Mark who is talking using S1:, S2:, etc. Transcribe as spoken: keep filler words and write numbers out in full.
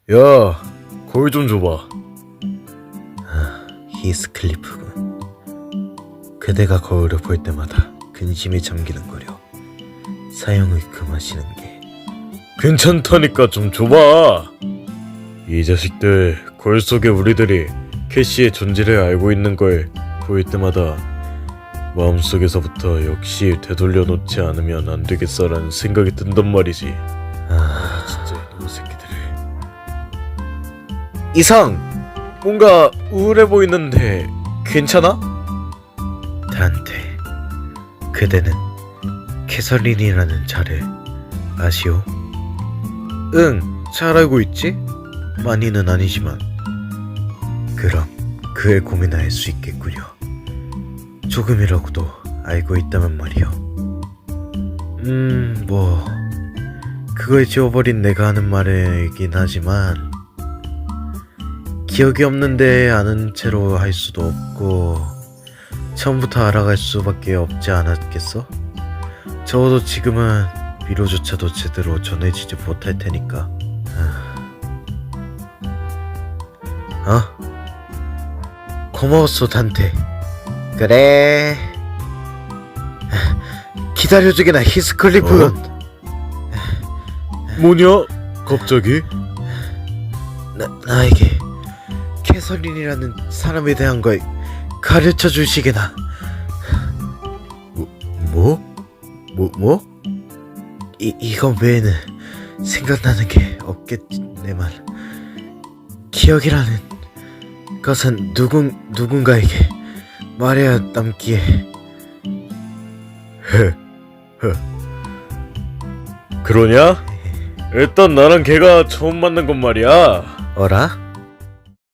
S1: 야, 거울 좀 줘봐.
S2: 아, 히스클리프군. 그대가 거울을 볼 때마다 근심에 잠기는거려. 사형을 금하시는 게.
S1: 괜찮다니까 좀 줘봐. 이 자식들 거울 속에 우리들이 캐시의 존재를 알고 있는 걸 보일 때마다 마음속에서부터 역시 되돌려 놓지 않으면 안 되겠어라는 생각이 든단 말이지.
S2: 아,
S1: 진짜 이놈의 새끼들을. 이상! 뭔가 우울해 보이는데 괜찮아?
S2: 단테, 그대는 캐서린이라는 자를 아시오?
S1: 응, 잘 알고 있지?
S2: 많이는 아니지만 그럼 그의 고민을 알 수 있겠군요. 조금이라고도 알고 있다면 말이요. 음, 뭐 그걸 지워버린 내가 하는 말이긴 하지만 기억이 없는데 아는 채로 할 수도 없고 처음부터 알아갈 수밖에 없지 않았겠어? 적어도 지금은 위로조차도 제대로 전해지지 못할 테니까. 어? 고마웠어, 단테. 그래. 기다려주게나, 히스클리프.
S1: 어? 뭐냐? 갑자기?
S2: 나, 나에게 캐서린이라는 사람에 대한 걸 가르쳐 주시게나. 뭐? 뭐? 뭐? 이, 이거 외에는 생각나는 게 없겠지, 내 말. 기억이라는 것은 누군, 누군가에게 말해야 남기에.
S1: 헤, 헤. 그러냐? 일단 나랑 걔가 처음 만난 건 말이야.
S2: 어라?